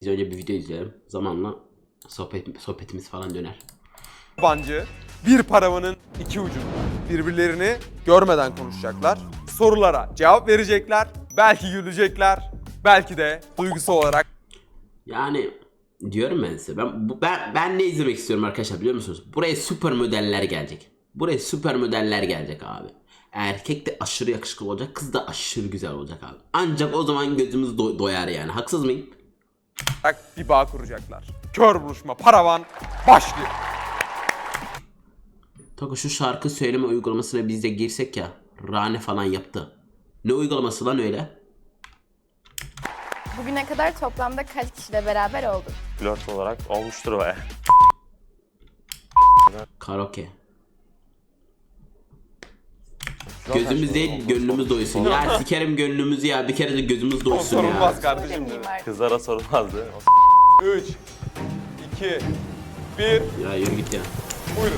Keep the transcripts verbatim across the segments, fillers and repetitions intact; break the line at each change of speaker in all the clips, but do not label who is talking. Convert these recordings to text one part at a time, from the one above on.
Biz önce bir video izleyelim. Zamanla sohbet, sohbetimiz falan döner.
Yabancı, bir paravanın iki ucu. Birbirlerini görmeden konuşacaklar. Sorulara cevap verecekler. Belki gülecekler. Belki de duygusal olarak.
Yani diyorum ben size. Ben, bu, ben, ben ne izlemek istiyorum arkadaşlar biliyor musunuz? Buraya süper modeller gelecek. Buraya süper modeller gelecek abi. Erkek de aşırı yakışıklı olacak. Kız da aşırı güzel olacak abi. Ancak o zaman gözümüz do- doyar yani. Haksız mıyım?
bir bağ kuracaklar. Kör buluşma paravan başlıyor.
Tako şu şarkı söyleme uygulamasına biz de girsek ya. Rane falan yaptı. Ne uygulaması lan öyle?
Bugüne kadar toplamda kaç kişiyle beraber oldun?
Flört olarak olmuştur baya.
Karaoke. Gözümüz değil gönlümüz doysun. Ya sikerim gönlümüzü ya. Bir kere de gözümüz
O
doysun ya.
sorulmaz kardeşim.
Demeyeyim artık.
Kızlara sorulmazdı.
üç, iki, bir,
Ya yürü git ya.
buyurun.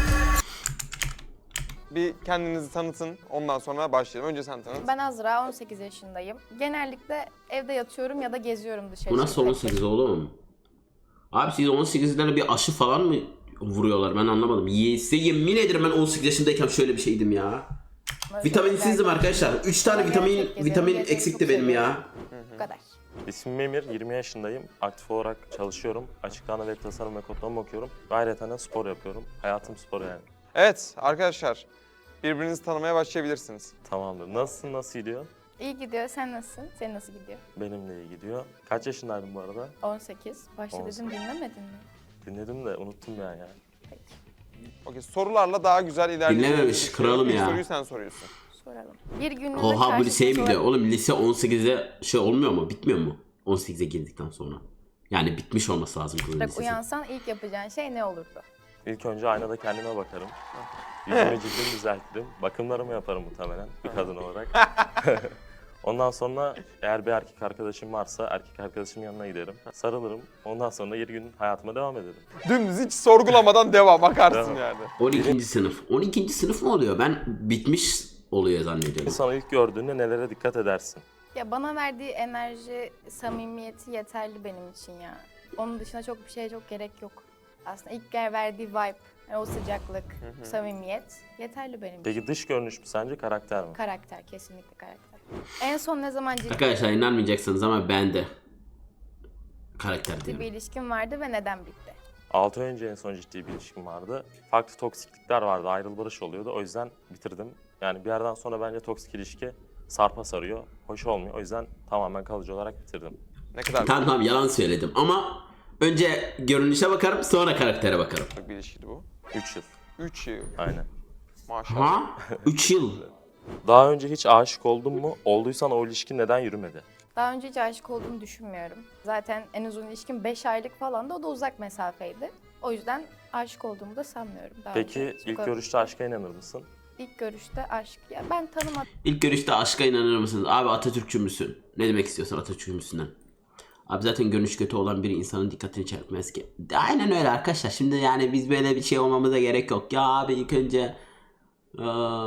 Bir kendinizi tanıtın, ondan sonra başlayalım. Önce sen tanıt.
Ben Azra, on sekiz yaşındayım. Genellikle evde yatıyorum ya da geziyorum dışarı.
Bu nasıl on sekiz oğlum? Abi siz on sekizlere bir aşı falan mı vuruyorlar ben anlamadım. Size yemin ederim ben on sekiz yaşındayken şöyle bir şeydim ya. Vitaminsizdim arkadaşlar. üç tane vitamin vitamin eksikti benim ya.
Bu kadar.
İsmim Emir, yirmi yaşındayım. Aktif olarak çalışıyorum. Açık ana web tasarım ve kodlama okuyorum. Ayrıca de spor yapıyorum. Hayatım spor yani.
Evet arkadaşlar, birbirinizi tanımaya başlayabilirsiniz.
Tamamdır. Nasılsın, nasıl gidiyor?
İyi gidiyor. Sen nasılsın? Senin nasıl gidiyor?
Benim de iyi gidiyor. Kaç yaşındaydın bu arada?
on sekiz. Başta
on
dedim
sekiz.
dinlemedin mi?
Dinledim de unuttum ya ya.
Peki.
Okey, sorularla daha güzel ilerleyeceğiz.
Dinlememiş, kralım
İlk
ya.
soruyu sen soruyorsun.
Soralım. Bir günlüğüne
Oha bu
karşı
liseye mi
cins
gidiyor?
olarak-
Oğlum lise on sekize şey olmuyor mu? Bitmiyor mu? on sekize girdikten sonra. Yani bitmiş olması lazım kızın
Bak,
lisesi.
uyansan ilk yapacağın şey ne olurdu?
İlk önce aynada kendime bakarım. Yüzümü cildimi düzeltirim. Bakımlarımı yaparım muhtemelen bir kadın olarak. Ondan sonra eğer bir erkek arkadaşım varsa erkek arkadaşımın yanına giderim. Sarılırım. Ondan sonra yedi gün hayatıma devam ederim.
Dümdüz hiç sorgulamadan devam, bakarsın
Devam.
yani.
on ikinci sınıf. on ikinci sınıf mı oluyor? Ben bitmiş oluyor zannediyorum.
İnsanı ilk gördüğünde nelere dikkat edersin?
Ya bana verdiği enerji, samimiyeti yeterli benim için ya. Onun dışında çok bir şeye çok gerek yok. Aslında ilk verdiği vibe, yani o sıcaklık, samimiyet yeterli benim için.
Peki dış görünüş mü sence karakter mi?
Karakter, kesinlikle karakter. En son ne zaman ciddi
Arkadaşlar inanmayacaksınız ama ben de karakter
bir
diyorum.
ilişkin vardı ve neden bitti?
altı ay önce en son ciddi bir ilişkim vardı. Farklı toksiklikler vardı, ayrıl barış oluyordu. O yüzden bitirdim. Yani bir yerden sonra bence toksik ilişki sarpa sarıyor. Hoş olmuyor. O yüzden tamamen kalıcı olarak bitirdim.
Ne kadar
Tamam tamam yalan söyledim ama önce görünüşe bakarım sonra karaktere bakarım.
büyük bir ilişkiydi bu?
üç yıl.
üç yıl.
Aynen.
Maşallah.
Ha? üç yıl.
Daha önce hiç aşık oldun mu? Olduysan o ilişki neden yürümedi?
Daha önce hiç aşık olduğumu düşünmüyorum. Zaten en uzun ilişkim beş aylık falan da, o da uzak mesafeydi. O yüzden aşık olduğumu da sanmıyorum. Daha
Peki
önce çok
ilk
az-
görüşte aşka inanır mısın?
İlk görüşte aşk. Ya ben tanımadım.
İlk görüşte aşka inanır mısınız? Abi Atatürkçü müsün? Ne demek istiyorsan Atatürkçü müsünden? Abi zaten görünüş kötü olan bir insanın dikkatini çekmez ki. Aynen öyle arkadaşlar. Şimdi yani biz böyle bir şey olmamıza gerek yok. Ya abi ilk önce eee,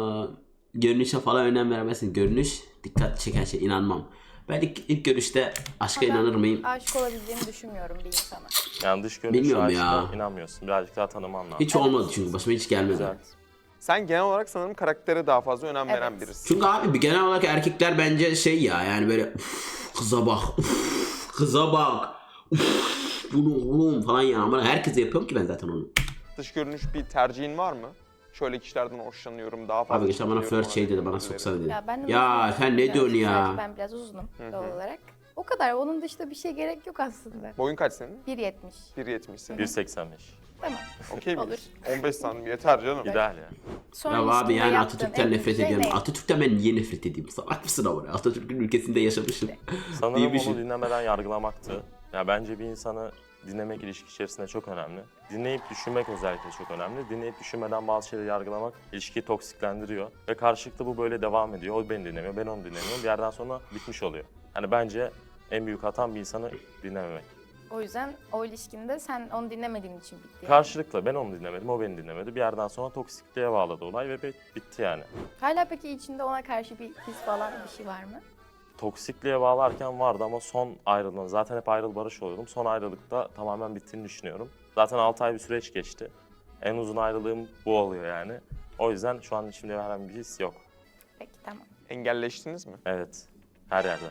görünüşe falan önem veremezsin. Görünüş dikkat çeken şey, inanmam. Ben ilk, ilk görüşte aşka
Ben
inanır mıyım?
Aşık olabileceğimi düşünmüyorum bir insana.
Yani dış görünüş
Bilmiyorum
aşka
ya.
inanmıyorsun. Birazcık daha tanıman lazım.
Hiç olmadı çünkü başıma hiç gelmedi.
Güzel.
Sen genel olarak sanırım karaktere daha fazla önem veren
Evet.
birisin.
Çünkü abi bir genel olarak erkekler bence şey ya yani böyle "Uf, kıza bak, uf, kıza bak, uf, bunu oğlum falan ya. Ama herkese yapıyorum ki ben zaten onu.
Dış görünüş bir tercihin var mı? Şöyle kişilerden hoşlanıyorum, daha fazla
Abi geçen bana
çekiliyorum
first şey dedi, bana
gibi
soksana dedi.
Ya, ben de
Ya
uzunum
sen ne
biraz.
diyorsun ya?
Sadece ben biraz uzunum doğal olarak. O kadar. Onun dışında bir şey gerek yok aslında.
Boyun kaç senin?
bir yetmiş.
bir yetmiş senin.
bir seksen beş.
Tamam.
Okey
Olur.
miyiz? on beş santim yeter canım.
İdeal yani.
Son
Ya abi
ilişkimde
yani
yaptığın
Atatürk'ten
en
nefret
büyük şey
ediyorum.
ne?
Atatürk'ten ben niye nefret edeyim? Salak mısın ama? Atatürk'ün ülkesinde yaşamışım.
Sanırım
Değilmişim.
onu dinlemeden yargılamaktı. Ya bence bir insanı dinlemek ilişki içerisinde çok önemli. Dinleyip düşünmek özellikle çok önemli. Dinleyip düşünmeden bazı şeyleri yargılamak ilişkiyi toksiklendiriyor. Ve karşılıklı bu böyle devam ediyor. O beni dinlemiyor, ben onu dinlemiyorum. Bir yerden sonra bitmiş oluyor. Yani bence en büyük hatam bir insanı dinlememek.
O yüzden o ilişkinde sen onu dinlemediğin için bitti. yani.
Karşılıklı ben onu dinlemedim, o beni dinlemedi. Bir yerden sonra toksikliğe bağladı olay ve bit- bitti yani.
Hala peki içinde ona karşı bir his falan bir şey var mı?
toksikliğe bağlarken vardı ama son ayrılığım, zaten hep ayrıl barış oluyordum. Son ayrılıkta tamamen bittiğini düşünüyorum. Zaten altı ay bir süreç geçti. En uzun ayrılığım bu oluyor yani. O yüzden şu an içimde herhangi bir his yok.
Peki tamam.
Engelleştiniz mi?
Evet, her yerde.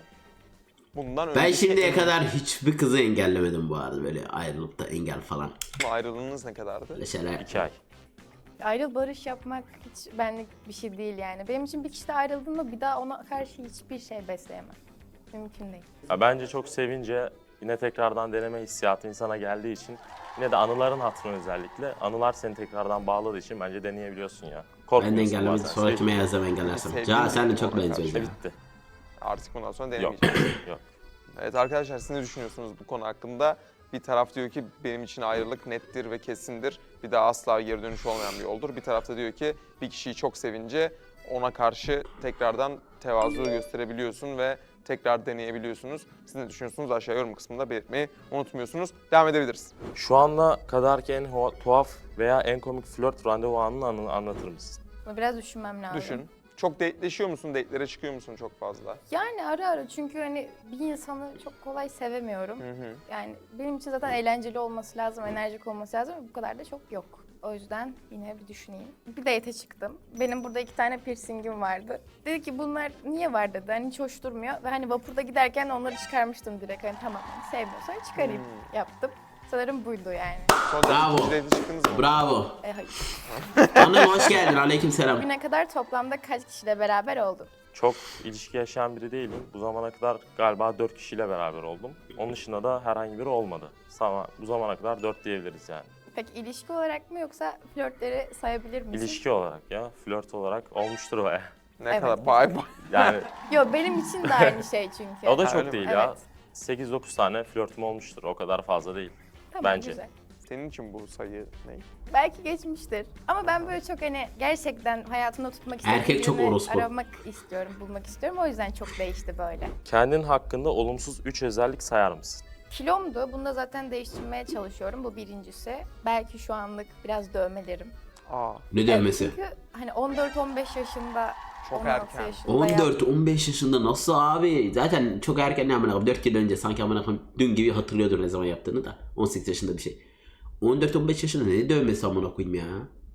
Bundan
Ben
önceki
şimdiye kadar hiçbir kızı engellemedim bu arada, böyle ayrılıp da engel falan.
ayrılığınız ne kadardı?
Böyle şeyler.
İki ay.
Ayrıl barış yapmak hiç benlik bir şey değil yani. Benim için bir kişi de ayrıldığında bir daha ona karşı hiçbir şey besleyemem. Mümkün değil.
Ya bence çok sevince yine tekrardan deneme hissiyatı insana geldiği için yine de anıların hatırına özellikle anılar seni tekrardan bağladığı için bence deneyebiliyorsun ya.
Ben de
Korkmuyorsun
engellemedim.
bazen.
Sonra kime yazsam engellersem.
Sevdiğim
Ca sen de
biri
çok
ona
benziyorsun
karşı
ya.
Bitti.
Artık bundan sonra
Yok.
denemeyeceğim.
Yok.
Evet arkadaşlar, siz ne düşünüyorsunuz bu konu hakkında? Bir taraf diyor ki benim için ayrılık nettir ve kesindir. Bir daha asla geri dönüş olmayan bir yoldur. Bir tarafta diyor ki bir kişiyi çok sevince ona karşı tekrardan tevazu gösterebiliyorsun ve tekrar deneyebiliyorsunuz. Siz ne düşünüyorsunuz? Aşağı yorum kısmında belirtmeyi unutmuyorsunuz. Devam edebiliriz.
Şu ana kadarki en ho- tuhaf veya en komik flört randevu anını anı- anlatır mısın?
Bunu biraz düşünmem lazım.
Düşün. Çok dateleşiyor musun? Datelere çıkıyor musun çok fazla?
Yani ara ara, çünkü hani bir insanı çok kolay sevemiyorum.
Hı hı.
Yani benim için zaten eğlenceli olması lazım, enerjik olması lazım ve bu kadar da çok yok. O yüzden yine bir düşüneyim. Bir date'e çıktım. Benim burada iki tane piercingim vardı. Dedi ki bunlar niye var dedi. Hani hiç hoş durmuyor. Ve hani vapurda giderken onları çıkarmıştım direkt. Hani tamam hani sevmiyorsan çıkarayım yaptım. Sanırım buydu yani.
Sonra
Bravo.
ikinci date'e çıktınız mı?
Bravo.
E hayır.
Hanım hoş geldin. Aleykümselam.
Bugüne kadar toplamda kaç kişiyle beraber oldum?
Çok ilişki yaşayan biri değilim. Bu zamana kadar galiba dört kişiyle beraber oldum. Onun dışında da herhangi biri olmadı. Ama bu zamana kadar dört diyebiliriz yani.
Peki ilişki olarak mı yoksa flörtleri sayabilir misin?
İlişki olarak ya, flört olarak olmuştur baya.
Ne
Evet.
kadar? Bay bay.
Yani
Yok, benim için de aynı şey çünkü.
o da
Ha, öyle
çok
mi?
değil ya.
Evet.
sekiz dokuz tane flörtüm olmuştur. O kadar fazla değil.
Tamam,
bence.
güzel.
Senin için bu sayı ne?
Belki geçmiştir. Ama ben böyle çok hani gerçekten hayatımda tutmak istediğim
Erkek çok
birini
orospu.
aramak istiyorum, bulmak istiyorum. O yüzden çok değişti böyle.
Kendin hakkında olumsuz üç özellik sayar mısın?
Kilomdu. Bunu da zaten değiştirmeye çalışıyorum. Bu birincisi. Belki şu anlık biraz dövmelerim.
Aa,
Ne
Evet,
dövmesi?
çünkü hani on dört on beş yaşında,
Çok
on altı
erken.
yaşında
on dört
yaptım.
on beş yaşında nasıl abi? Zaten çok erken, ne amına koyayım, dört yıl önce sanki amına koyayım dün gibi hatırlıyordur ne zaman yaptığını da. on sekiz yaşında bir şey. on dört on beş yaşında ne dövmesi amına koyayım ya?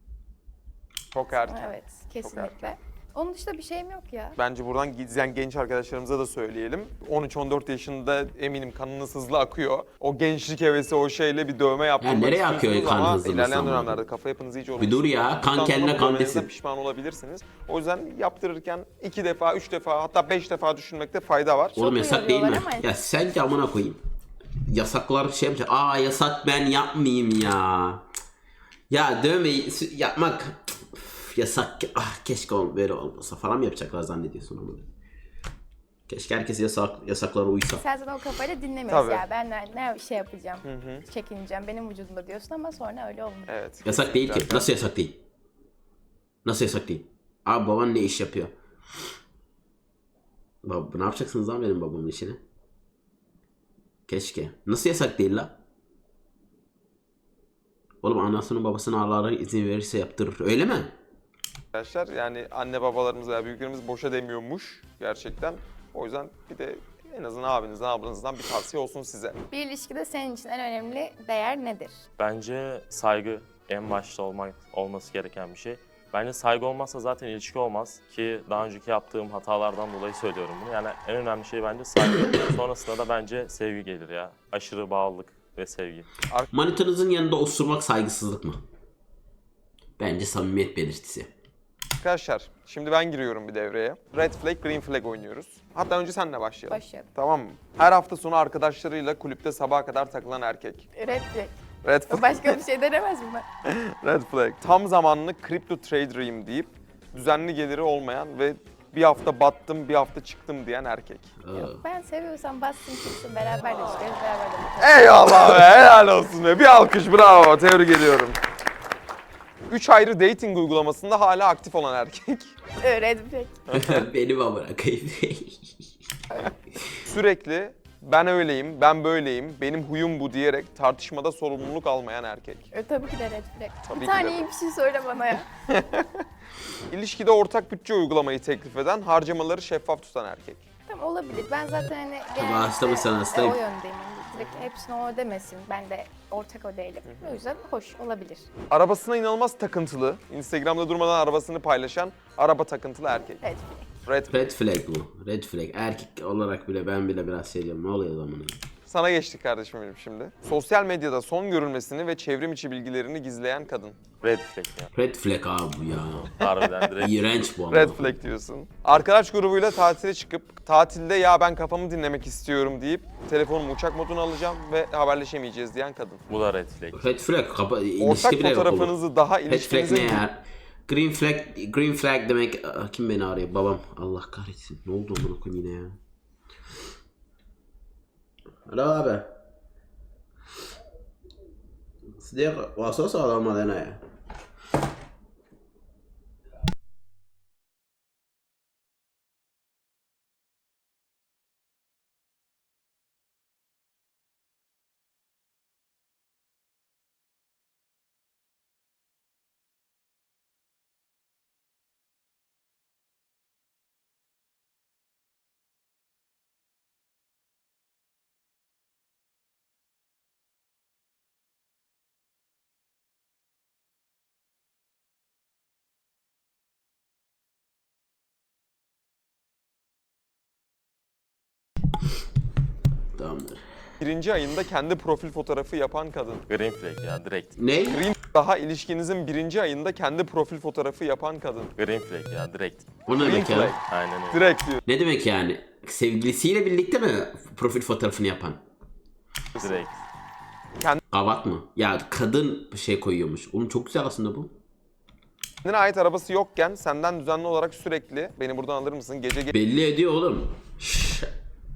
çok erken.
Evet, kesinlikle. Onun dışında bir şeyim yok ya.
Bence buradan izleyen genç arkadaşlarımıza da söyleyelim. on üç on dört yaşında eminim kanınız hızlı akıyor. O gençlik hevesi, o şeyle bir dövme yaptırmak
nereye
istiyorsunuz
akıyor kan
ama
hızlı
ilerleyen
mesela?
dönemlerde kafa yapınız iyice
Bir dur ya, kan
Ondan
kendine
sonra
kan
dövmenizden
desin.
pişman olabilirsiniz. O yüzden yaptırırken iki defa, üç defa, hatta beş defa düşünmekte fayda var.
Oğlum yasak değil mi?
uyarıyorlar ama-
Ya sen de amına koyayım. Yasaklar şey yapacak. Aa yasak, ben yapmayayım ya. Ya dövmeyi sü- yapmak üf, yasak. Ah keşke ol- böyle olmasa falan mı yapacaklar zannediyorsun ama. Keşke herkes yasak yasaklara uysa.
Sen zaten o kafayla dinlemiyorsun
Tabii.
ya. Ben ne, ne şey yapacağım, çekineceğim, benim vücudumda diyorsun ama sonra öyle olmuyor.
Evet.
Yasak değil ki.
kesinlikle.
Nasıl yasak değil? Nasıl yasak değil? Abi baban ne iş yapıyor? Baba, ne yapacaksınız lan benim babamın işini? Keşke. Nasıl yasak değil la? Oğlum anasının babasının Allah'a izin verirse yaptırır. Öyle mi?
Arkadaşlar yani anne babalarımız veya büyüklerimiz boşa demiyormuş gerçekten. O yüzden bir de en azından abinizden, ablanızdan bir tavsiye olsun size.
Bir ilişkide senin için en önemli değer nedir?
Bence saygı en başta olmak, olması gereken bir şey. Bence saygı olmazsa zaten ilişki olmaz ki daha önceki yaptığım hatalardan dolayı söylüyorum bunu. Yani en önemli şey bence saygı. Sonrasında da bence sevgi gelir ya. Aşırı bağlılık ve sevgi.
Manitanızın yanında osurmak saygısızlık mı? Bence samimiyet belirtisi.
Arkadaşlar şimdi ben giriyorum bir devreye. Red flag, green flag oynuyoruz. Hatta önce senle başlayalım.
Başlayalım.
Tamam mı? Her hafta sonu arkadaşlarıyla kulüpte sabaha kadar takılan erkek.
Red flag.
Red flag.
Başka bir şey denemez mi ben?
Red flag. Tam zamanlı crypto trader'ıyım deyip düzenli geliri olmayan ve bir hafta battım, bir hafta çıktım diyen erkek.
Aa.
Ben seviyorsam bassın çıksın, beraber de çıkarız, beraber de bakarız.
Eyvallah be, helal olsun be. Bir alkış, bravo, tebrik ediyorum. Üç ayrı dating uygulamasında hala aktif olan erkek.
Red flag.
Benim amına koyayım.
Sürekli ben öyleyim, ben böyleyim, benim huyum bu diyerek tartışmada sorumluluk almayan erkek.
E, tabii ki de red flag.
Tabii
bir
ki
tane
de.
iyi bir şey söyle bana ya.
İlişkide ortak bütçe uygulamayı teklif eden, harcamaları şeffaf tutan erkek.
Tamam, olabilir. Ben zaten hani
Tabii hasta mısın,
e,
hastayım.
o yöndeyim. Hani direkt hepsine o demesin. Ben de ortak o değilim. O yüzden hoş olabilir.
Arabasına inanılmaz takıntılı. Instagram'da durmadan arabasını paylaşan araba takıntılı erkek.
Evet.
Red.
Red flag bu. Red flag. Erkek olarak bile ben bile biraz şey diyorum. Ne oluyor zamana?
Sana geçtik kardeşim benim şimdi. Sosyal medyada son görülmesini ve çevrim içi bilgilerini gizleyen kadın.
Red flag ya.
Red flag abi bu ya.
Harbiden direkt.
İğrenç bu ama.
Red flag diyorsun. Arkadaş grubuyla tatile çıkıp tatilde ya ben kafamı dinlemek istiyorum deyip telefonumu uçak moduna alacağım ve haberleşemeyeceğiz diyen kadın.
Bu da red flag.
Red flag. Kapa
Ortak
ilişki bile yok oğlum.
fotoğrafınızı daha
Red flag ne
ilişkinizin
ya? Green flag, green flag demek. Aa, kim beni arıyor? Babam. Allah kahretsin. Ne oldu amına koyayım yine ya? Alo abi. Sdek vasos alama dena ya. Tamamdır.
birinci ayında kendi profil fotoğrafı yapan kadın.
Green flag ya direkt.
Ne?
Green daha ilişkinizin birinci ayında kendi profil fotoğrafı yapan kadın.
Green flag ya direkt.
O ne
Green
demek
flag.
ya?
Aynen öyle.
Direkt diyor.
Ne demek yani? Sevgilisiyle birlikte mi profil fotoğrafını yapan?
Direkt.
Kavat mı? Ya kadın bir şey koyuyormuş. Oğlum çok güzel aslında bu.
Kendine ait arabası yokken senden düzenli olarak sürekli beni buradan alır mısın? Gece
Belli ediyor oğlum. Şşş.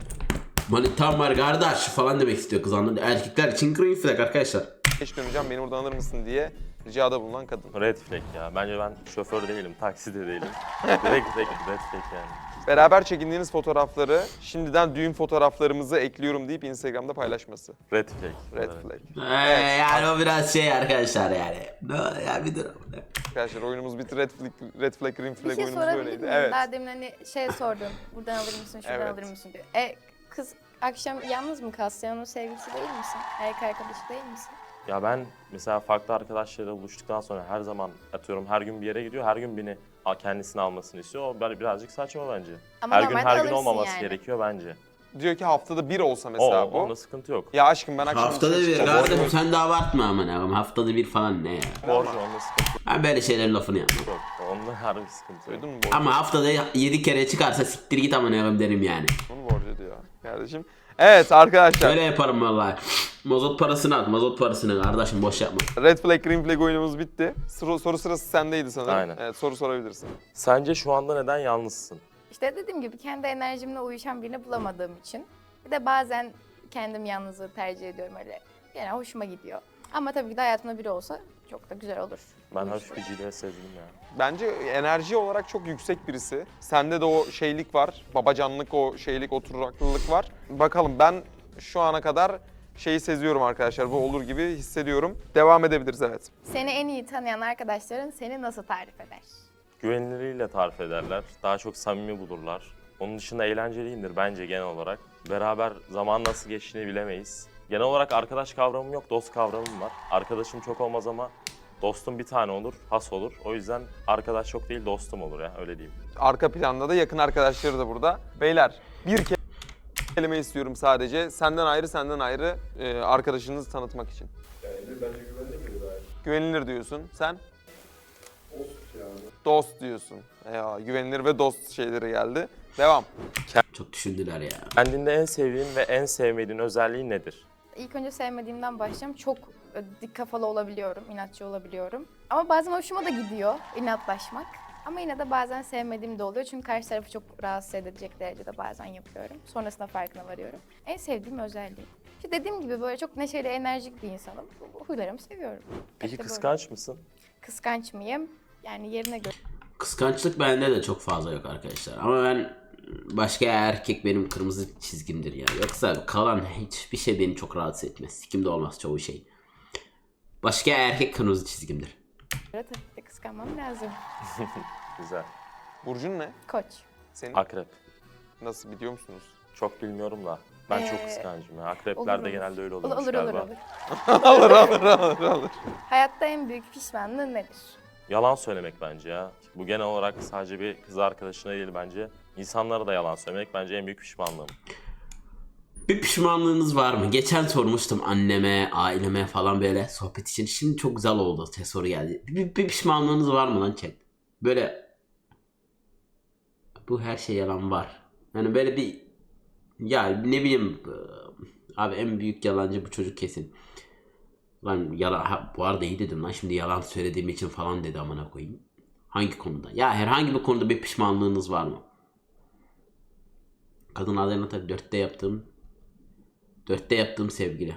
Manitam var kardeş falan demek istiyor kız anladın. Erkekler için green flag arkadaşlar.
geç döneceğim beni buradan alır mısın diye ricada bulunan kadın.
Red flag ya. Bence ben şoför değilim, taksi de değilim. Direkt red, red flag yani.
Beraber çekindiğiniz fotoğrafları şimdiden düğün fotoğraflarımızı ekliyorum deyip Instagram'da paylaşması.
Red flag.
Red
Evet.
flag.
Ee, yani o biraz şey arkadaşlar yani. No, ya bir dur.
Arkadaşlar oyunumuz bitti. Red flag, red flag, green
Bir
flag
şey
oyunumuz
sorabilir
böyleydi.
miyim?
Evet.
Daha demin hani şey sordun. Buradan alır mısın, şuradan
Evet.
alır mısın diyor. E kız akşam yalnız mı kalsın? Sen onun sevgilisi değil misin? Erkek arkadaşı değil misin?
Ya ben mesela farklı arkadaşlarıyla buluştuktan sonra her zaman atıyorum her gün bir yere gidiyor, her gün beni kendisini almasını istiyor. O bir- birazcık saçma bence.
Ama
her gün
normalde
her gün
alırsın
olmaması
yani.
gerekiyor bence.
Diyor ki haftada bir olsa
O,
mesela bu.
onda sıkıntı yok.
Ya aşkım ben akşam
Haftada
dışarı
bir
çıkacağım.
kardeşim sen de abartma aman abim. Haftada bir falan ne ya?
Borcu onda sıkıntı
Ben böyle şeylerin lafını yapmam.
yok. Onda harbi sıkıntı yok.
Duydun mu borcu?
Ama haftada yedi kere çıkarsa siktir git aman abim derim yani.
Bunu borcu diyor kardeşim. Evet arkadaşlar.
Öyle yaparım vallahi. Mazot parasını at, mazot parasını kardeşim boş yapma.
Red flag, green flag oyunumuz bitti. Soru, soru sırası sendeydi sanırım.
Aynen.
Evet soru sorabilirsin.
Sence şu anda neden yalnızsın?
İşte dediğim gibi kendi enerjimle uyuşan birini bulamadığım için. Bir de bazen kendim yalnızlığı tercih ediyorum öyle. Yani hoşuma gidiyor. Ama tabii ki de hayatımda biri olsa çok da güzel olur.
Ben
Uyuşur.
hafif bir cilve sezdim ya.
Bence enerji olarak çok yüksek birisi. Sende de o şeylik var. Babacanlık, o şeylik, oturaklılık var. Bakalım ben şu ana kadar şeyi seziyorum arkadaşlar. Bu olur gibi hissediyorum. Devam edebiliriz evet.
Seni en iyi tanıyan arkadaşların seni nasıl tarif eder?
Güvenilirliğiyle tarif ederler. Daha çok samimi bulurlar. Onun dışında eğlenceliyimdir bence genel olarak. Beraber zaman nasıl geçtiğini bilemeyiz. Genel olarak arkadaş kavramım yok, dost kavramım var. Arkadaşım çok olmaz ama dostum bir tane olur, has olur. O yüzden arkadaş çok değil, dostum olur ya, öyle diyeyim.
Arka planda da yakın arkadaşları da burada. Beyler bir ke- kelime istiyorum sadece. Senden ayrı, senden ayrı e, arkadaşınızı tanıtmak için.
Güvenilir, bence güvenilir gayet.
Güvenilir diyorsun. Sen?
Dost yani.
Dost diyorsun. Ya, güvenilir ve dost şeyleri geldi. Devam.
Çok düşündüler ya.
Kendinde en sevdiğin ve en sevmediğin özelliği nedir?
İlk önce sevmediğimden başlayacağım. Çok e, dik kafalı olabiliyorum, inatçı olabiliyorum. Ama bazen hoşuma da gidiyor inatlaşmak. Ama yine de bazen sevmediğim de oluyor. Çünkü karşı tarafı çok rahatsız edecek derecede bazen yapıyorum. Sonrasında farkına varıyorum. En sevdiğim özelliğim. İşte dediğim gibi böyle çok neşeli, enerjik bir insanım. Bu huylarımı seviyorum.
Peki
İşte böyle.
kıskanç mısın?
Kıskanç mıyım? Yani yerine göre.
Kıskançlık bende de çok fazla yok arkadaşlar. Ama ben başka erkek benim kırmızı çizgimdir ya. Yoksa kalan hiçbir şey beni çok rahatsız etmez. Sikimde olmaz çoğu şey. Başka erkek kırmızı çizgimdir.
Tabii ki de kıskanmam lazım.
Güzel.
Burcun ne?
Koç.
Senin?
Akrep.
Nasıl, biliyor musunuz?
Çok bilmiyorum da. Ben çok
Ee,
kıskancım ya. Akrepler
olur,
de
olur.
genelde öyle
Olur
oluyormuş
olur olur.
galiba.
olur.
alır alır alır alır.
Hayatta en büyük pişmanlığın nedir?
Yalan söylemek bence ya. Bu genel olarak sadece bir kız arkadaşına değil bence. İnsanlara da yalan söylemek bence en büyük pişmanlığım.
Bir pişmanlığınız var mı? Geçen sormuştum anneme, aileme falan böyle sohbet için. Şimdi çok güzel oldu. Te soru geldi. Bir, bir pişmanlığınız var mı lan chat? Böyle bu her şey yalan var. Yani böyle bir ya ne bileyim abi en büyük yalancı bu çocuk kesin. Lan yalan ha, bu arada iyi dedim lan şimdi yalan söylediğim için falan dedi amına koyayım. Hangi konuda? Ya herhangi bir konuda bir pişmanlığınız var mı? Kadın adayına tabii dörtte yaptığım dörtte yaptığım sevgili.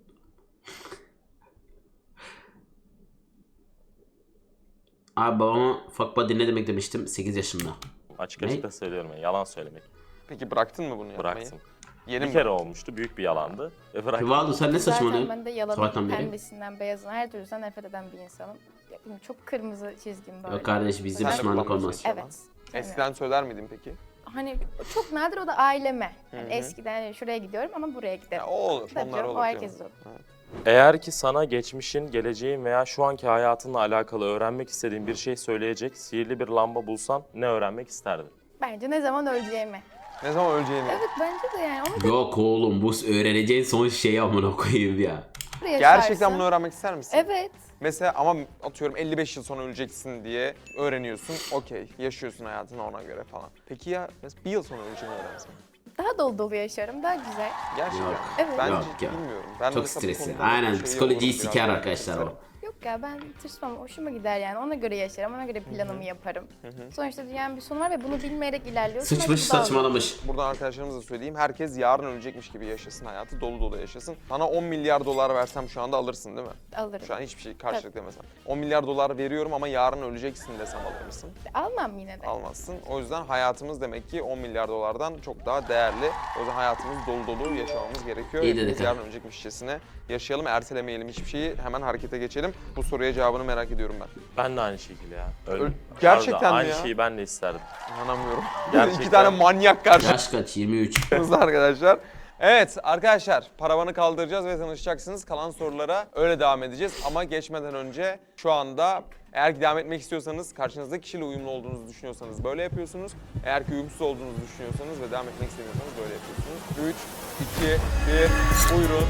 Abi babama fuck buddy ne demek demiştim sekiz yaşında.
Açık
Ne?
açık da söylüyorum yani yalan söylemek.
Peki bıraktın mı bunu yapmayı?
Bıraktım.
Yeni
Bir
mi?
kere olmuştu. Büyük bir yalandı. Ve bıraktım.
Rivaldo sen ne
Zaten
saçmalıyorsun?
ben de yalanın
Sabahtan beri.
pembesinden, beyazından, her türlüsünden nefret eden bir insanım. Ya, bilmiyorum, çok kırmızı çizgim var.
Yok kardeş bizde
Sen de
pişmanlık
kullanmıyorsun
olmaz.
hiç yalan.
Evet. Yani,
Eskiden söyler miydin peki?
hani çok nadir, o da aileme. Yani
Hı hı.
eskiden hani şuraya gidiyorum ama buraya giderim.
Ya, o olur.
Tabii
Onlar
canım,
olur.
o herkes
canım.
olur.
Evet.
Eğer ki sana geçmişin, geleceğin veya şu anki hayatınla alakalı öğrenmek istediğin bir şey söyleyecek sihirli bir lamba bulsan ne öğrenmek isterdin?
Bence ne zaman öleceğimi.
Ne zaman öleceğini.
Evet bence de yani. Onu da
Yok oğlum bu öğreneceğin son şey amına koyayım ya.
yaşarsın.
Gerçekten bunu öğrenmek ister misin?
Evet.
Mesela ama atıyorum elli beş yıl sonra öleceksin diye öğreniyorsun. Okey, yaşıyorsun hayatını ona göre falan. Peki ya mesela bir yıl sonra öleceğini öğrensen?
Daha dolu dolu yaşarım, daha güzel.
Gerçekten.
Yok.
Evet.
Ben
Yok ya.
bilmiyorum. Ben
Çok
mesela bu
stresli.
konuda
Aynen
şey
psikolojiyi
olurum, biraz
siker
daha
arkadaşlar o.
isterim.
Yok ya, ben tırsmam, hoşuma gider yani. Ona göre yaşarım, ona göre planımı yaparım. Sonuçta dünyanın bir sonu var ve bunu bilmeyerek ilerliyorsun.
Sıçmış
Bence bu da olur.
saçmalamış.
Buradan arkadaşlarımıza söyleyeyim. Herkes yarın ölecekmiş gibi yaşasın hayatı. Dolu dolu yaşasın. Sana on milyar dolar versem şu anda alırsın değil mi?
Alırım.
Şu an hiçbir şey karşılık demesem. on milyar dolar veriyorum ama yarın öleceksin desem alır mısın?
Almam yine de.
Almazsın. O yüzden hayatımız demek ki on milyar dolardan çok daha değerli. O yüzden hayatımız dolu dolu yaşamamız gerekiyor.
İyi dedik
Hepimiz
ha.
yarın ölecekmişçesine yaşayalım, ertelemeyelim hiçbir şeyi. Hemen harekete geçelim. Bu soruya cevabını merak ediyorum ben.
Ben de aynı şekilde ya. Öyle.
Öyle- Gerçekten
Harbiden
mi
aynı
ya?
şeyi ben de isterdim.
İnanamıyorum.
Gerçekten.
İki tane manyak karşı.
Yaş kaç? yirmi üç.
arkadaşlar. Evet arkadaşlar, paravanı kaldıracağız ve tanışacaksınız. Kalan sorulara öyle devam edeceğiz. Ama geçmeden önce şu anda eğer ki devam etmek istiyorsanız, karşınızdaki kişiyle uyumlu olduğunuzu düşünüyorsanız böyle yapıyorsunuz. Eğer ki uyumsuz olduğunuzu düşünüyorsanız ve devam etmek istemiyorsanız böyle yapıyorsunuz. üç, iki, bir, buyurun.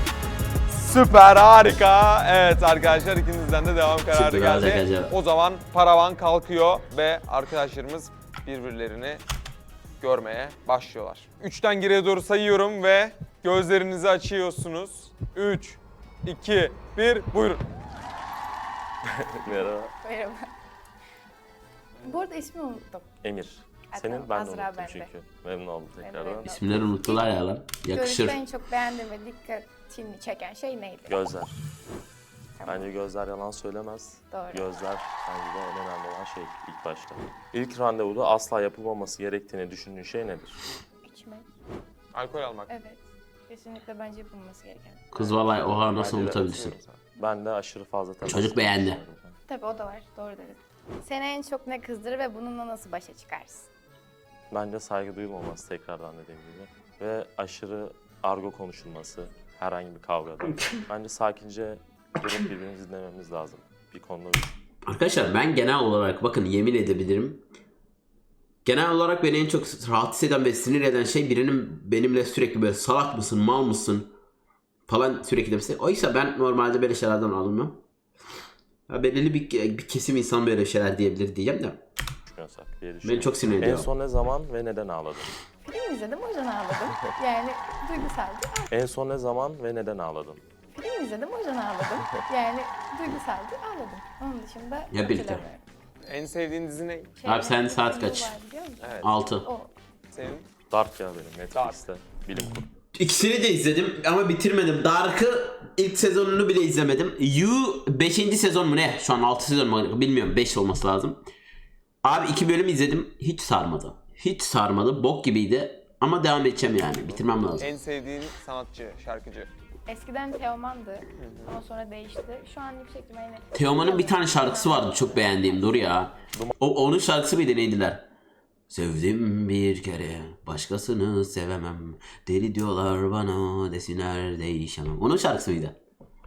Süper, harika. Evet arkadaşlar, ikinizden de devam kararı
Çıktı,
geldi.
gelecek acaba.
O zaman paravan kalkıyor ve arkadaşlarımız birbirlerini görmeye başlıyorlar. Üçten geriye doğru sayıyorum ve gözlerinizi açıyorsunuz. Üç, iki, bir, buyurun.
Merhaba.
Merhaba. Bu arada ismini unuttum.
Emir.
Ha,
Senin
tamam,
ben de
Azra
unuttum
bende.
çünkü. Memnun oldum
Ben de
tekrardan.
memnun oldum.
İsimleri unuttular ya lan. Yakışır.
Görüşte en çok beğendiğim ve dikkatini çeken şey neydi?
Gözler.
Tamam.
Bence gözler yalan söylemez.
Doğru.
Gözler bence de en önemli olan şey ilk başta. İlk randevuda asla yapılmaması gerektiğini düşündüğün şey nedir?
İçmek.
Alkol almak.
Evet. Kesinlikle bence yapılması gereken.
Kız vallahi oha nasıl
Bence de
unutabilirsin?
Katılıyorum
Ben de aşırı fazla temas
Çocuk
ettiğini
beğendi.
düşünüyorum.
Tabii o da var. Doğru dedin. Seni en çok ne kızdırır ve bununla nasıl başa çıkarsın?
Bence saygı duyulmaması tekrardan dediğim gibi. Ve aşırı argo konuşulması herhangi bir kavgada. Bence sakince durup birbirimizi dinlememiz lazım. Bir konuda
Arkadaşlar ben genel olarak bakın yemin edebilirim. Genel olarak beni en çok rahatsız eden ve sinir eden şey birinin benimle sürekli böyle salak mısın, mal mısın falan sürekli demesi. Oysa ben normalde böyle şeylerden alınmam. Ya belirli bir, bir kesim insan böyle şeyler diyebilir diyeceğim de.
düşünüyorsak diye
Beni
düşünüyorum.
çok sinir
En
ediyor.
son ne zaman ve neden ağladın?
Film izledim, o yüzden ağladım. Yani duygusaldı.
En son ne zaman ve neden ağladın?
Film izledim, o yüzden ağladım. Yani duygusaldı, ağladım. Onun dışında
Ya birlikte.
hatırlamıyorum.
En sevdiğin dizi ne?
Abi sen saat
Filmi
kaç?
var, biliyor musun?
Evet.
altı.
O.
Senin?
Dark ya benim Netflix'te. Bilim kurgu.
İkisini de izledim ama bitirmedim. Dark'ı ilk sezonunu bile izlemedim. You beşinci sezon mu ne? Şu an altı sezon mu? Bilmiyorum, beş olması lazım. Abi iki bölüm izledim. Hiç sarmadı. Hiç sarmadı. Bok gibiydi. Ama devam edeceğim yani. Bitirmem lazım.
En sevdiğin sanatçı, şarkıcı.
Eskiden Teoman'dı ama sonra değişti. Şu an yüksek ihtimalle...
Teoman'ın bir tane şarkısı vardı çok beğendiğim. Dur ya. O, onun şarkısı mıydı neydiler? Sevdim bir kere, başkasını sevemem. Deli diyorlar bana, desinler değişemem. Onun şarkısı mıydı?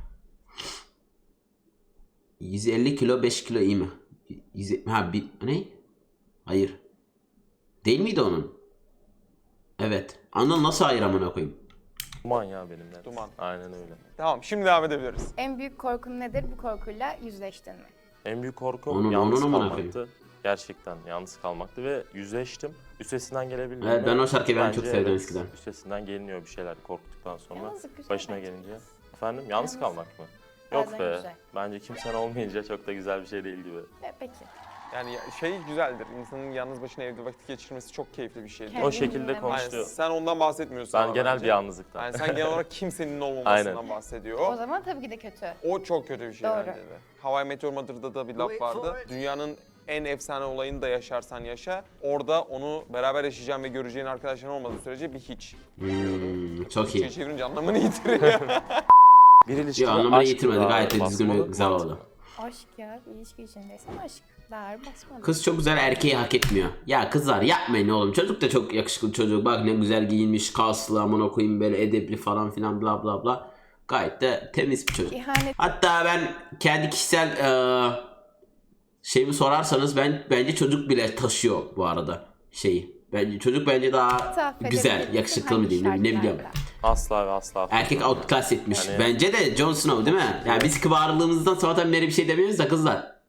yüz elli kilo beş kilo iyi mi? yüz, ha bir, ne? Hayır. Değil miydi onun? Evet. Anıl nasıl hayır amına koyayım?
Duman ya benim net.
Duman.
Aynen öyle.
Tamam, şimdi devam edebiliriz.
En büyük korkun nedir? Bu korkuyla yüzleştin mi?
En büyük korkum
Onun-
yalnız
onun amına
kalmaktı. Gerçekten yalnız kalmaktı ve yüzleştim. Üstesinden gelebildim.
Evet, ben o şarkıyı ben
Bence
çok sevdim
evet,
eskiden.
Üstesinden geliniyor bir şeyler korktuktan sonra.
Yalnızlık güzel
Başına
bence.
gelince. Efendim yalnız
Yalnız-
kalmak mı? Yok
Bazen
be.
güzel.
Bence kimsen olmayınca çok da güzel bir şey değil gibi.
E, peki.
Yani ya- şey güzeldir, insanın yalnız başına evde vakit geçirmesi çok keyifli bir şeydir.
Kendini
O şekilde
dinlemek.
konuştu.
Aynen, sen ondan bahsetmiyorsun
Ben
ama
genel
bence.
bir yalnızlıktan.
Yani sen genel olarak kimsenin olmamasından
Aynen.
bahsediyor.
O zaman tabii ki de kötü.
O çok kötü bir şey
Doğru.
bence de. How I Met Your Mother'da da bir laf vardı. Dünyanın en efsane olayını da yaşarsan yaşa. Orada onu beraber yaşayacağın ve göreceğin arkadaşların olmadığı sürece bir hiç.
Hmm, çok
Türkçe'ye
iyi.
çevirince anlamını yitiriyor.
Bir ilişkide
Ya anlamını
aşk
yitirmedi,
daha
gayet de düzgün ve
basmalı,
güzel
mantıklı.
oldu.
Aşk ya. İlişki içindeysen aşk. Daha ağır basmalı.
Kız çok güzel, erkeği hak etmiyor. Ya kızlar yapmayın oğlum. Çocuk da çok yakışıklı çocuk. Bak ne güzel giyinmiş, kaslı amına koyayım, böyle edepli falan filan bla bla bla. Gayet de temiz bir çocuk.
İhanet
Hatta ben kendi kişisel eee şeyimi sorarsanız ben bence çocuk bile taşıyor bu arada şeyi. Bence çocuk bence daha
affedebilir
güzel,
misin?
yakışıklı mı
Hangi
diyeyim ne, ne biliyorum.
şartlarda?
Asla ve asla.
Erkek
affetmem.
outclass etmiş.
Yani-
Bence de Jon Snow değil mi? Yani biz kıvarlığımızdan sabahtan beri bir şey demiyoruz da kızlar.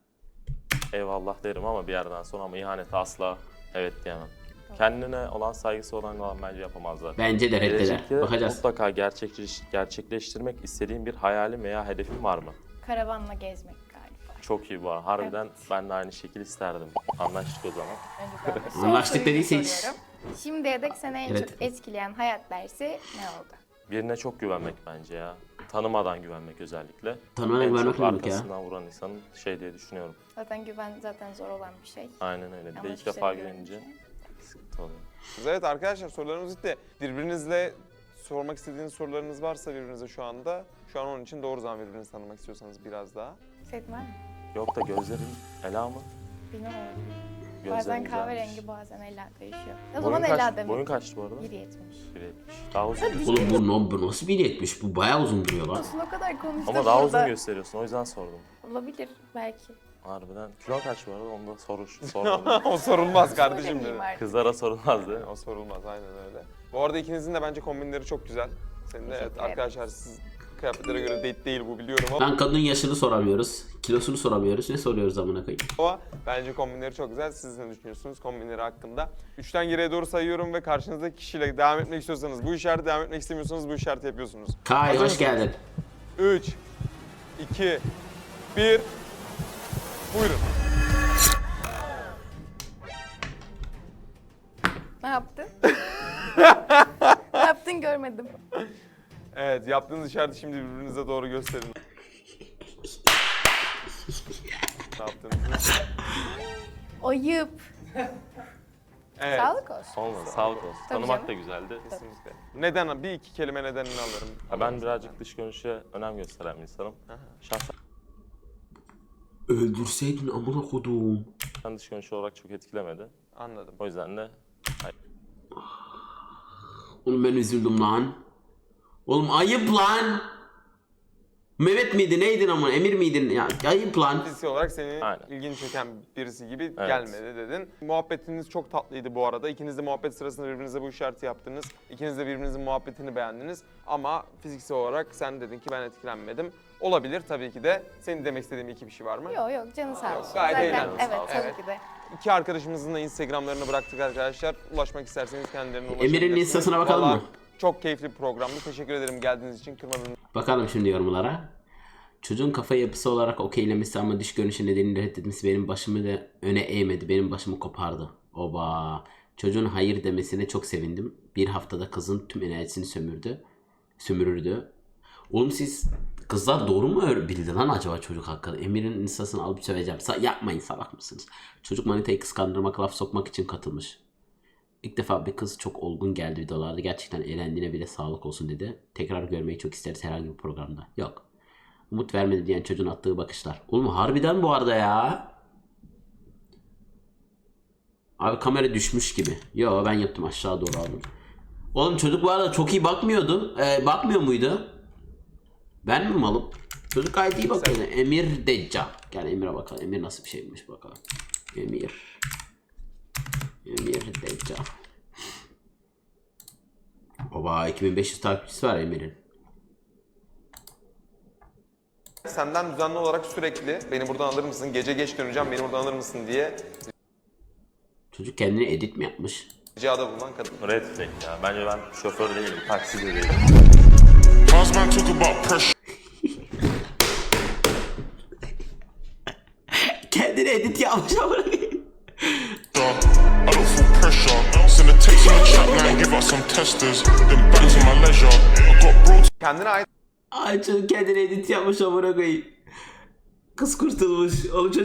Eyvallah derim ama bir yerden sonra ama ihanete asla evet diyemem. Kendine olan saygısı olan olan bence yapamazlar.
Bence de reddeder.
Gelecekte
Bakacağız.
mutlaka gerçekleş, gerçekleştirmek istediğin bir hayalin veya hedefin var mı?
Karavanla gezmek galiba.
Çok iyi bu. Harbiden
Evet.
ben de aynı şekilde isterdim. Anlaştık o zaman.
Önce ben de son
Anlaştık
soruyu
dediyse hiç-
soruyorum. Şimdiye dek seni en
Evet.
çok etkileyen hayat dersi ne oldu?
Birine çok güvenmek bence ya. Tanımadan güvenmek özellikle.
Tanımadan
En
güvenmek
çok
ne demek ya?
arkasından vuran insanın şey diye düşünüyorum.
Zaten güven zaten zor olan bir şey.
Aynen öyle. Bir
Ama
de ilk
hiçbir
defa
şey
güvenince
güvenince.
sıkıntı oluyor.
Evet arkadaşlar, sorularımız bitti. Birbirinizle sormak istediğiniz sorularınız varsa birbirinize şu anda, şu an onun için doğru zaman birbirinizi tanımak istiyorsanız biraz daha.
Senin var mı?
Yok da gözlerin Ela mı?
Bilmiyorum.
Gözlerin
Bazen
güzelmiş.
kahverengi bazen Ela değişiyor. O
Boyun
zaman
kaç-
Ela demek.
Boyun kaçtı bu arada?
bir yetmiş.
bir yetmiş. Daha uzun
Oğlum
gösteriyorsun.
bu, bu nasıl bir yetmiş? Bu bayağı uzun duruyor lan.
Olsun, o kadar konuştuk
Ama daha uzun
burada.
gösteriyorsun. O yüzden sordum.
Olabilir belki.
Harbiden. Kilo kaç bu arada? Onu da soru, sormadım.
O sorulmaz kardeşim
Söylemeyeyim
dedi.
artık.
Kızlara sorulmaz değil mi?
O sorulmaz, aynen öyle. Bu arada ikinizin de bence kombinleri çok güzel. Senin de evet,
Teşekkür ederim.
arkadaşlar siz kıyafetlere göre date değil bu biliyorum ama,
Lan kadının yaşını soramıyoruz. Kilosunu soramıyoruz. Ne soruyoruz amına koyayım?
ama bence kombinleri çok güzel. Siz ne düşünüyorsunuz kombinleri hakkında? Üçten geriye doğru sayıyorum ve karşınızdaki kişiyle devam etmek istiyorsanız bu işareti, devam etmek istemiyorsanız bu işareti yapıyorsunuz.
Kay
Hazır
hoş
mısınız?
geldin.
üç, iki, bir, buyurun.
Ne yaptın? Ne yaptın görmedim.
Evet, yaptığınız işareti şimdi birbirinize doğru gösterin. Ne yaptığınızı.
Ayıp.
Evet.
Sağlık olsun.
Olmadı. Sağlık olsun.
Tabii
Tanımak
canım.
da güzeldi.
Kesinlikle. Neden? Bir iki kelime nedenini alırım.
Ya ben birazcık dış görünüşe önem gösteren bir insanım. Şahsen
Öldürseydin amına kodum.
dış görünüş olarak çok etkilemedi.
Anladım.
O yüzden de
Oğlum ben üzüldüm lan. Oğlum ayıp lan. Mehmet miydi neydin ama Emir miydin? Ya ayıp lan.
Fiziksel olarak seni
Aynen.
ilgini çeken birisi gibi
Evet.
gelmedi dedin. Muhabbetiniz çok tatlıydı bu arada. İkiniz de muhabbet sırasında birbirinize bu işareti yaptınız. İkiniz de birbirinizin muhabbetini beğendiniz. Ama fiziksel olarak sen dedin ki ben etkilenmedim. Olabilir tabii ki de. Senin demek istediğin iki bir şey var mı?
Yok yok canı sağ olsun.
gayet
Zaten
eğlendim,
evet
sağ olsun.
tabii
Evet.
ki de.
İki arkadaşımızın da Instagram'larını bıraktık arkadaşlar. Ulaşmak isterseniz kendilerine ulaşabilirsiniz.
Emir'in Insta'sına bakalım
Vallahi
mı?
çok keyifli bir programdı. Teşekkür ederim geldiğiniz için, kırmadığınız
Bakalım şimdi yorumlara. Çocuğun kafa yapısı olarak okeylemesi ama dış görünüşü nedeniyle reddetmesi benim başımı da öne eğmedi. Benim başımı kopardı. Oba. Çocuğun hayır demesine çok sevindim. Bir haftada kızın tüm enerjisini sömürdü. Sömürürdü. Oğlum siz kızlar doğru mu öyle bildi lan acaba çocuk hakkında? Emir'in instasını alıp söveceğim. Sa- yapmayın, salak mısınız? Çocuk manitayı kıskandırmak, laf sokmak için katılmış. İlk defa bir kız çok olgun geldi videolarda. Gerçekten eğlendiğine bile sağlık olsun dedi. Tekrar görmeyi çok isteriz herhangi bir programda. Yok. Umut vermedi diyen çocuğun attığı bakışlar. Oğlum harbiden bu arada ya. Abi kamera düşmüş gibi. Yo ben yaptım, aşağı doğru aldım. Oğlum çocuk bu arada çok iyi bakmıyordu. Ee, bakmıyor muydu? Ben mi malım? Çocuk gayet iyi bakıyordu. Emir Decca. Gel Emir'e bakalım. Emir nasıl bir şeymiş bakalım. Emir. Emir Decca. Baba iki bin beş yüz takipçisi var Emir'in.
Senden düzenli olarak sürekli beni buradan alır mısın, gece geç döneceğim beni buradan alır mısın diye
Çocuk kendini edit mi yapmış?
ricada bulunan kadın.
Red flag ya. Bence ben şoför değilim, taksi de değilim.
Husband talk about pressure.
Kendini edit yapmış ama.
I don't feel pressure. Send a text in the chat line, give out some testers. Then back to my leisure. I got brought
Kendine ait
Ay çocuk kendini edit yapmış amına koyayım. Kız kurtulmuş. Oğlum çocuk